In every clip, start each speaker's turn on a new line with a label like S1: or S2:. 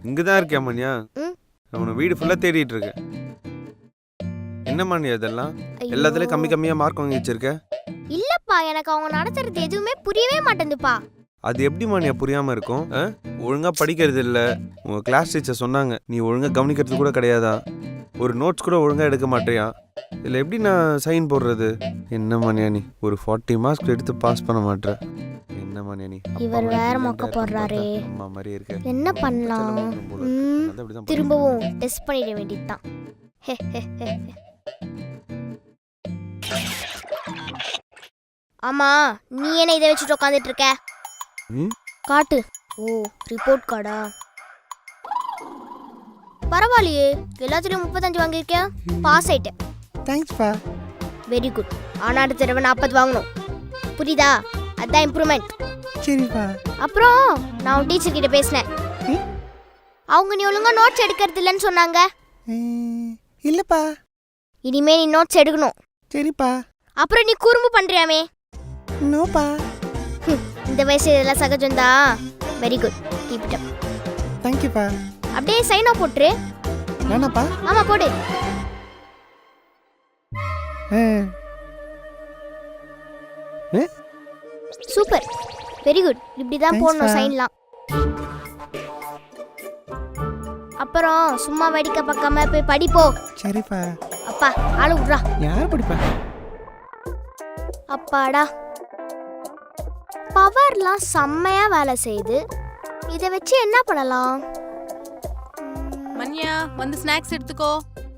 S1: இங்கதான் இருக்கியா மணியா?
S2: ம்.
S1: உன வீடு ஃபுல்லா தேடிட்டு இருக்கேன். என்ன மணி அதெல்லாம்?
S2: ஐயோ.
S1: எல்லாத்துலயும் கம்மி கம்மியா மார்க் வாங்கி வச்சிருக்க.
S2: இல்லப்பா, எனக்கு அவங்க நடத்துறது எதுவுமே புரியவே மாட்டேங்குதுப்பா.
S1: அது எப்படி மணியா புரியாம இருக்கும்? ஒழுங்கா படிக்கிறது இல்ல. உங்க கிளாஸ் டீச்சர் சொன்னாங்க நீ ஒழுங்கா கவனிக்கிறது கூட கிடையாதா, ஒரு நோட்ஸ் கூட ஒழுங்கா எடுக்க மாட்டியா. இதுல எப்படி நான் சைன் போடுறது? என்ன மணியா நீ ஒரு 40 மார்க்ஸ் எடுத்து பாஸ் பண்ண மாட்டற? என்ன மணியா நீ?
S2: இவர் வேற மொக்க போடுறாரே.
S1: அம்மா மாதிரி இருக்க.
S2: என்ன பண்ணலாம்? திரும்பவும் டெஸ்ட் பண்ணிட வேண்டியதுதான். ஆமா, நீ என்ன இதை வச்சுட்டு உட்காந்துட்டு இருக்க? காட்டு. ஓ, ரிப்போர்ட் கார்டா? பரவாயில்லையே, எல்லாத்துலயும் 35 வாங்கியிருக்கேன். பாஸ் ஆயிட்டேன்.
S3: தேங்க்ஸ் பா.
S2: Very good. ஆனா அடுத்த தடவை 40 வாங்கணும், புரியுதா? அதான் இம்ப்ரூவ்மெண்ட்.
S3: சரிப்பா.
S2: அப்புறம் நான் உன் டீச்சர் கிட்ட பேசினேன். அவங்க நீ ஒழுங்கா நோட்ஸ் எடுக்கிறது இல்லைன்னு சொன்னாங்க.
S3: இல்லப்பா.
S2: இனிமே நீ நோட்ஸ் எடுக்கணும்.
S3: சரிப்பா.
S2: அப்புறம் நீ குறும்பு பண்றியாமே?
S3: நோப்பா.
S2: இந்த வயசு இதெல்லாம் சகஜம்தான். Very good, keep it up.
S3: தேங்க்யூப்பா.
S2: அப்படியே சைன் ஆஃப் போட்டுரு.
S3: நானாப்பா?
S2: ஆமா, போடு. Super, very good. இப்படிதான் போடணும் சைன்லாம். அப்புறம் சும்மா வேடிக்கை பார்க்காம போய் படிப்போ.
S3: சரிப்பா.
S2: அப்பா ஆளு விட்றா.
S3: யார் படிப்பா?
S2: அப்பாடா, பவர்லாம் செம்மையா வேலை செய்யுது. இதை வச்சு என்ன பண்ணலாம்?
S4: மன்யா, வந்து ஸ்நாக்ஸ் எடுத்துக்கோ.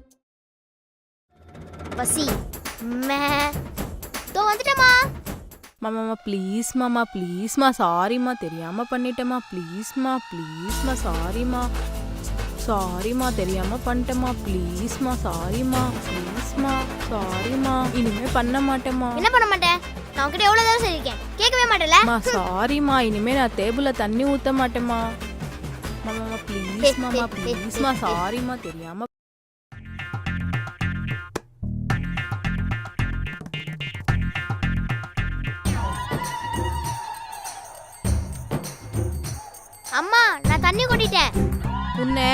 S2: பசி மே தோ வந்துட்டமா.
S4: மாமா ப்ளீஸ் மாமா, ப்ளீஸ்மா, சாரிம்மா, தெரியாம பண்ணிட்டேம்மா, ப்ளீஸ்மா, ப்ளீஸ்மா, சாரிம்மா, சாரிம்மா, தெரியாம பண்ணிட்டேம்மா, ப்ளீஸ்மா, சாரிம்மா, ப்ளீஸ்மா, சாரிம்மா, இனிமே பண்ண மாட்டேம்மா.
S2: என்ன பண்ண மாட்டேன்? நான் உன்கிட்ட எவ்வளவு தடவை சொல்லிருக்கேன், கேட்கவே மாட்டேல.
S4: சாரிம்மா, இனிமே நான் டேபிள்ல தண்ணி ஊத்த மாட்டேம்மா. மாமா ப்ளீஸ் மாமா, ப்ளீஸ்மா, சாரிம்மா, தெரியாம.
S2: அம்மா, நான் தண்ணி கொட்டிட்டேன்.
S4: உன்னை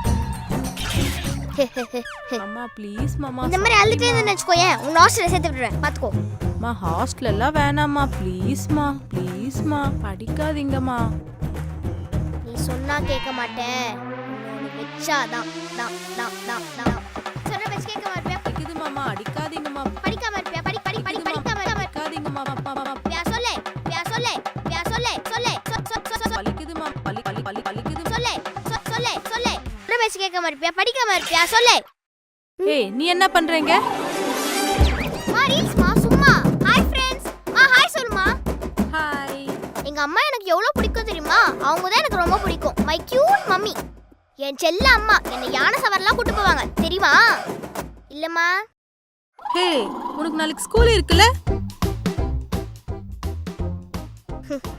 S4: மாமா ப்ளீஸ் மாமா.
S2: இந்த மாதிரி அழுதுட்டே இருந்தேன்னு வச்சுக்கோயேன், உன் ஹாஸ்டல்ல சேர்த்து விட்டுறேன், பாத்துக்கோ.
S4: மா ஹாஸ்டல் எல்லாம் வேணாம்மா, ப்ளீஸ்மா, ப்ளீஸ்மா, படிக்காதீங்கம்மா.
S2: நீ சொன்னா கேட்க மாட்டேன், உன்னை வச்சாதான் சொல்ற வச்சு கேட்க மாட்டியா?
S4: படிக்குது மாமா, அடிக்காதீங்கம்மா.
S2: படிக்காம இருப்பியா? படிக்காம
S4: அடிக்காதீங்கம்மா.
S2: பியா சொல்லே,
S4: பலிக்குதுமா, பலிக்குது.
S2: சொல்லே. சொல்ற வச்சு கேட்க மாட்டியா? படிக்காம இருப்பியா? சொல்லே.
S4: ஏய், நீ என்ன பண்றீங்க?
S2: ரீல்ஸ்மா, சும்மா. Hi friends. ஹாய் சொல்லுமா.
S4: ஹாய்.
S2: எங்க அம்மா எனக்கு எவ்வளவு பிடிக்கும் தெரியுமா? அவங்க தான் எனக்கு ரொம்ப பிடிக்கும். My cute mummy. என் செல்ல அம்மா என்னை யானை சவாரிலாம் கூட்டு போவாங்க, தெரியுமா? இல்லம்மா.
S4: ஹே, உனக்கு நாளைக்கு ஸ்கூல் இருக்குல்ல?